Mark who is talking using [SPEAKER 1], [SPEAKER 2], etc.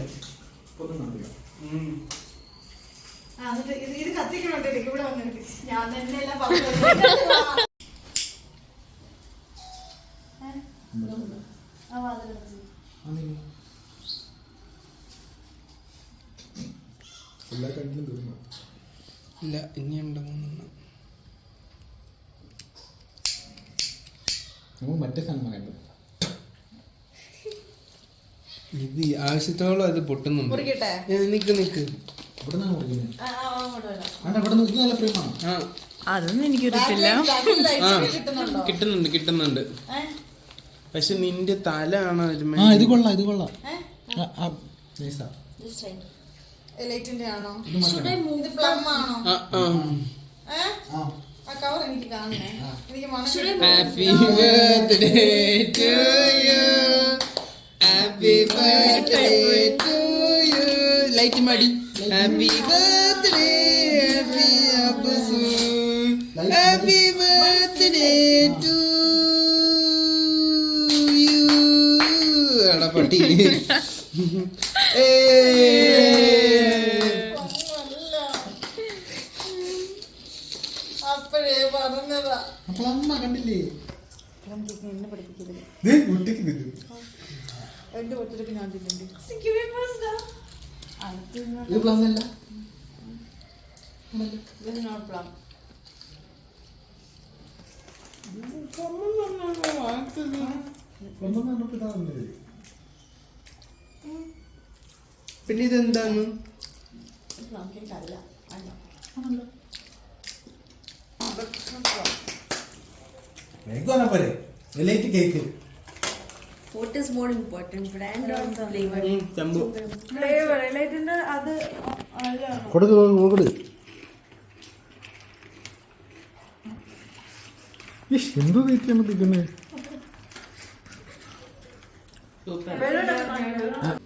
[SPEAKER 1] ഇത് കത്തിക്കണോട്ടെ ഇവിടെ വന്നിട്ട് ഞാൻ തന്നെ എല്ലാം
[SPEAKER 2] ഇല്ല ഇനിയുണ്ട് 3
[SPEAKER 3] മറ്റേ സാധനം വേണ്ട.
[SPEAKER 2] ഇത് ആവശ്യത്തോളം അത് പൊട്ടുന്നുണ്ട്. നിക്ക് നിക്ക്
[SPEAKER 3] ഇവിടെ നിന്നാണ് മുറിക്കുന്നത്. ഇവിടെ ഇത് നല്ല ഫ്രെയിമാണ്.
[SPEAKER 4] അതൊന്നും എനിക്ക് കിട്ടില്ല.
[SPEAKER 2] കിട്ടുന്നുണ്ട്. പക്ഷെ നിന്റെ തല ആണ്
[SPEAKER 3] ഇത് കൊള്ളാം.
[SPEAKER 1] ലൈറ്റിന്റെ ആണോ ഇത് പ്ലം ആണോ കവർ എനിക്ക് കാണണേ എനിക്ക്
[SPEAKER 2] happy birthday to you happy birthday to you light മടി happy birthday happy birthday to you എടാ പട്ടി
[SPEAKER 1] അപ്പഴേ പറഞ്ഞതാ.
[SPEAKER 3] അപ്പോൾ അമ്മ കണ്ടില്ലേ
[SPEAKER 1] എന്നെ പഠിപ്പിക്കരുത്. എന്റെ ഒത്തിരി ഞാൻ തിന്നുണ്ട്.
[SPEAKER 3] ഇത് പ്ലം അല്ല.
[SPEAKER 1] This is not plum.
[SPEAKER 2] പിന്നെ ഇതെന്താന്ന്
[SPEAKER 1] Plum cake അല്ല.
[SPEAKER 3] Cake
[SPEAKER 4] What is more important, brand or flavor?
[SPEAKER 2] ചമ്പു
[SPEAKER 1] Flavor. ലൈറ്റിന്റെ അത് അല്ല.
[SPEAKER 3] കൊടുക്ക്. എന്തോ കഴിക്കാൻ പറ്റുന്നത്.